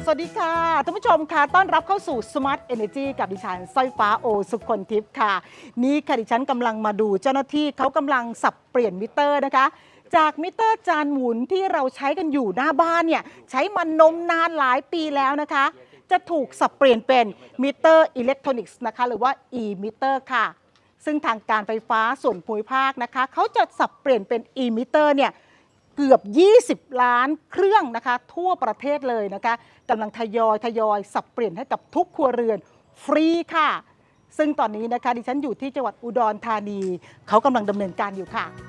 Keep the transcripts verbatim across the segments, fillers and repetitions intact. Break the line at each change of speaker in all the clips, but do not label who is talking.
สวัสดีค่ะท่านผู้ชมค่ะต้อนรับเข้าสู่ Smart Energy กับดิฉันสร้อยฟ้าโอสุคนทิพย์ค่ะนี่ค่ะดิฉันกำลังมาดูเจ้าหน้าที่เขากำลังสับเปลี่ยนมิเตอร์นะคะจากมิเตอร์จานหมุนที่เราใช้กันอยู่หน้าบ้านเนี่ยใช้มันนมนานหลายปีแล้วนะคะจะถูกสับเปลี่ยนเป็นมิเตอร์อิเล็กทรอนิกส์นะคะหรือว่า e-meter ค่ะซึ่งทางการไฟฟ้าส่วนภูมิภาคนะคะเขาจะสับเปลี่ยนเป็น e-meter เนี่ยเกือบยี่สิบล้านเครื่องนะคะทั่วประเทศเลยนะคะกำลังทยอยทยอยสับเปลี่ยนให้กับทุกครัวเรือนฟรีค่ะซึ่งตอนนี้นะคะดิฉันอยู่ที่จังหวัดอุดรธานีเขากำลังดำเนินการอยู่ค่ะ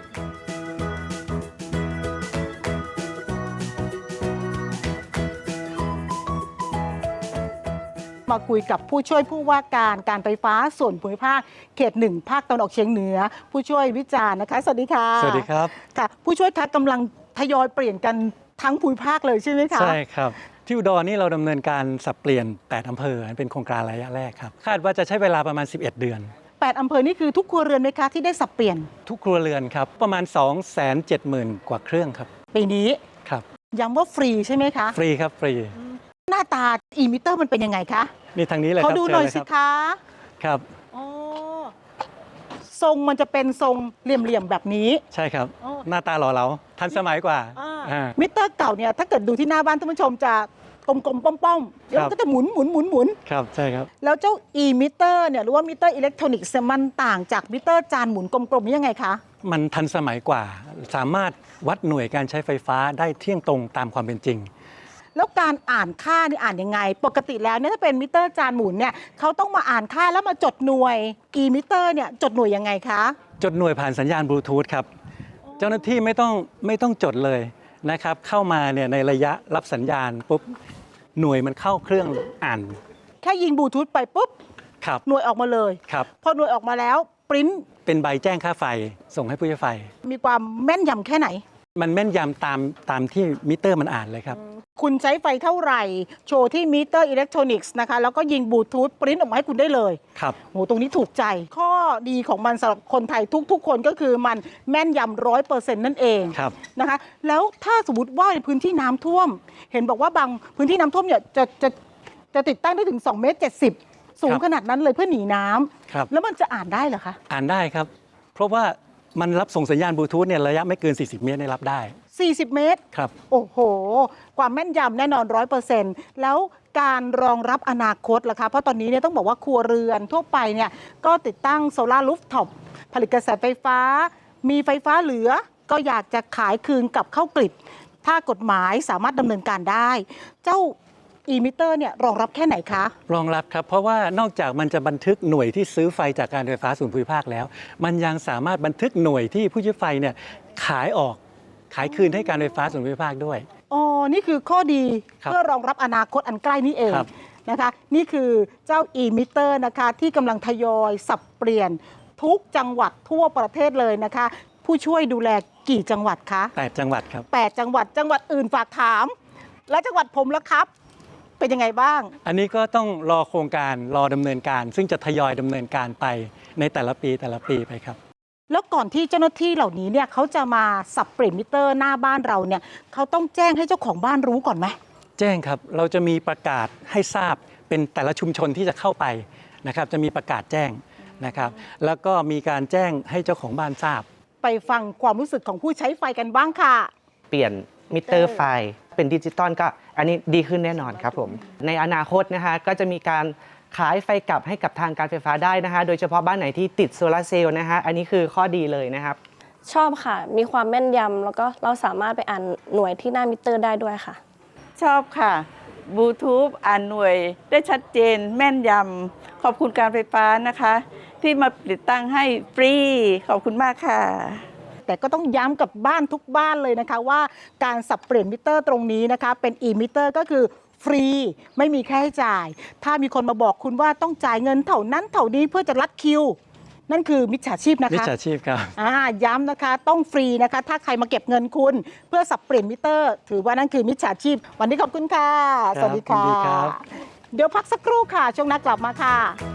มาคุยกับผู้ช่วยผู้ว่าการการไฟฟ้าส่วนภูมิภาคเขตหนึ่งภาคตะวันออกเฉียงเหนือผู้ช่วยวิจารณ์นะคะสวัสดีค่ะ
สวัสดีครับ
ค่ะผู้ช่วยคะกำลังทยอยเปลี่ยนกันทั้งภูมิภาคเลยใช่ไหมคะ
ใช่ครับที่อุดรนี่เราดำเนินการสับเปลี่ยนแปดอำเภอเป็นโครงการระยะแรกครับคาดว่าจะใช้เวลาประมาณสิบเอ็ดเดือน
แปดอำเภอนี่คือทุกครัวเรือนไหมคะที่ได้สับเปลี่ยน
ทุกครัวเรือนครับประมาณ สองแสนเจ็ดหมื่น กว่าเครื่องครับ
ปีนี้
ครับ
ย้ำว่าฟรีใช่ไหมคะ
ฟรีครับฟรี
หน้าตา e-meter มันเป็นยังไงคะ
นี่ทางนี้เลยครับ
เขาดูหน่อยสิคะ
ครับ
อ๋อทรงมันจะเป็นทรงเหลี่ยมๆแบบนี้
ใช่ครับหน้าตาหล่อเหลาทันสมัยกว่า
มิเตอร์เก่าเนี่ยถ้าเกิดดูที่หน้าบ้านท่านผู้ชมจะกลมๆป้อมๆแล้วก็จะหมุนหมุนหมุนหมุน
ครับใช่ครับ
แล้วเจ้า e-meter เนี่ยหรือว่ามิเตอร์อิเล็กทรอนิกส์มันต่างจากมิเตอร์จานหมุนกลมๆยังไงคะ
มันทันสมัยกว่าสามารถวัดหน่วยการใช้ไฟฟ้าได้เที่ยงตรงตามความเป็นจริง
แล้วการอ่านค่านี่อ่านยังไงปกติแล้วเนี่ยถ้าเป็นมิเตอร์จานหมุนเนี่ยเขาต้องมาอ่านค่าแล้วมาจดหน่วย e-meter เนี่ยจดหน่วยยังไงคะ
จดหน่วยผ่านสัญญาณบลูทูธครับเจ้าหน้าที่ไม่ต้องไม่ต้องจดเลยนะครับเข้ามาเนี่ยในระยะรับสัญญาณปุ๊บหน่วยมันเข้าเครื่องอ่าน
แค่ยิงบลูทูธไปปุ๊บ
ครับ
หน่วยออกมาเลย
ครับ
พอหน่วยออกมาแล้วปริ้น
เป็นใบแจ้งค่าไฟส่งให้ผู้ใช้ไฟ
มีความแม่นยำแค่ไหน
มันแม่นยำตามตามที่มิเตอร์มันอ่านเลยครับ
คุณใช้ไฟเท่าไหร่โชว์ที่มิเตอร์อิเล็กทรอนิกส์นะคะแล้วก็ยิงบลูทูธปริ้นออกมาให้คุณได้เลย
ครับ
โหตรงนี้ถูกใจข้อดีของมันสำหรับคนไทยทุกๆคนก็คือมันแม่นยำร้อยเปอร์เซ็นต์นั่นเองนะคะแล้วถ้าสมมติว่าในพื้นที่น้ำท่วมเห็นบอกว่าบางพื้นที่น้ำท่วมเนี่ยจะจะจะติดตั้งได้ถึงสองเมตรเจ็ดสิบสูงขนาดนั้นเลยเพื่อหนีน้ำแล้วมันจะอ่านได้เหรอคะ
อ่านได้ครับเพราะว่ามันรับส่งสัญญาณบลูทูธเนี่ยระยะไม่เกินสี่สิบเมตรได้รับได้
สี่สิบเมตร
ครับ
โอ้โหความแม่นยำแน่นอน ร้อยเปอร์เซ็นต์ แล้วการรองรับอนาคตล่ะคะเพราะตอนนี้เนี่ยต้องบอกว่าครัวเรือนทั่วไปเนี่ยก็ติดตั้งโซลาร์รูฟท็อปผลิตกระแสไฟฟ้ามีไฟฟ้าเหลือก็อยากจะขายคืนกับเข้ากริดถ้ากฎหมายสามารถดำเนินการได้เจ้าe-meter เนี่ยรองรับแค่ไหนคะ
รองรับครับเพราะว่านอกจากมันจะบันทึกหน่วยที่ซื้อไฟจากการไฟฟ้าส่วนภูมิภาคแล้วมันยังสามารถบันทึกหน่วยที่ผู้ใช้ไฟเนี่ยขายออกขายคืนให้การไฟฟ้าส่วนภูมิภาคด้วย
อ๋อนี่คือข้อดีเพื่อรองรับอนาคตอันใกล้นี้เองนะคะนี่คือเจ้า e-meter นะคะที่กำลังทยอยสับเปลี่ยนทุกจังหวัดทั่วประเทศเลยนะคะผู้ช่วยดูแลกี่จังหวัดคะ
แปดจังหวัดครับ
แปดจังหวัดจังหวัดอื่นฝากถามและจังหวัดผมละครับเป็นยังไงบ้าง
อันนี้ก็ต้องรอโครงการรอดำเนินการซึ่งจะทยอยดำเนินการไปในแต่ละปีแต่ละปีไปครับ
แล้วก่อนที่เจ้าหน้าที่เหล่านี้เนี่ยเขาจะมาสับเปลี่ยนมิเตอร์หน้าบ้านเราเนี่ยเขาต้องแจ้งให้เจ้าของบ้านรู้ก่อนไหม
แจ้งครับเราจะมีประกาศให้ทราบเป็นแต่ละชุมชนที่จะเข้าไปนะครับจะมีประกาศแจ้งนะครับแล้วก็มีการแจ้งให้เจ้าของบ้านทราบ
ไปฟังความรู้สึกของผู้ใช้ไฟกันบ้างค่ะ
เปลี่ยนมิเตอร์ไฟเป็นดิจิตอลก็อันนี้ดีขึ้นแน่นอนครับผมในอนาคตนะคะก็จะมีการขายไฟกลับให้กับทางการไฟฟ้าได้นะคะโดยเฉพาะบ้านไหนที่ติดโซลาร์เซลล์นะคะอันนี้คือข้อดีเลยนะครับ
ชอบค่ะมีความแม่นยำแล้วก็เราสามารถไปอ่านหน่วยที่หน้ามิเตอร์ได้ด้วยค่ะ
ชอบค่ะบลูทูธอ่านหน่วยได้ชัดเจนแม่นยำขอบคุณการไฟฟ้านะคะที่มาติดตั้งให้ฟรีขอบคุณมากค่ะ
แต่ก็ต้องย้ำกับบ้านทุกบ้านเลยนะคะว่าการสับเปลี่ยนมิเตอร์ตรงนี้นะคะเป็น e-meter ก็คือฟรีไม่มีค่าใช้จ่ายถ้ามีคนมาบอกคุณว่าต้องจ่ายเงินเท่านั้นเท่านี้เพื่อจะรัดคิวนั่นคือมิจฉาชีพนะคะ
มิจฉาชีพครับ
อ่าย้ำนะคะต้องฟรีนะคะถ้าใครมาเก็บเงินคุณเพื่อสับเปลี่ยนมิเตอร์ถือว่านั่นคือมิจฉาชีพวันนี้ขอบคุณค่ะสวัสดีค่ะเดี๋ยวพักสักครู่ค่ะช่วงหน้ากลับมาค่ะ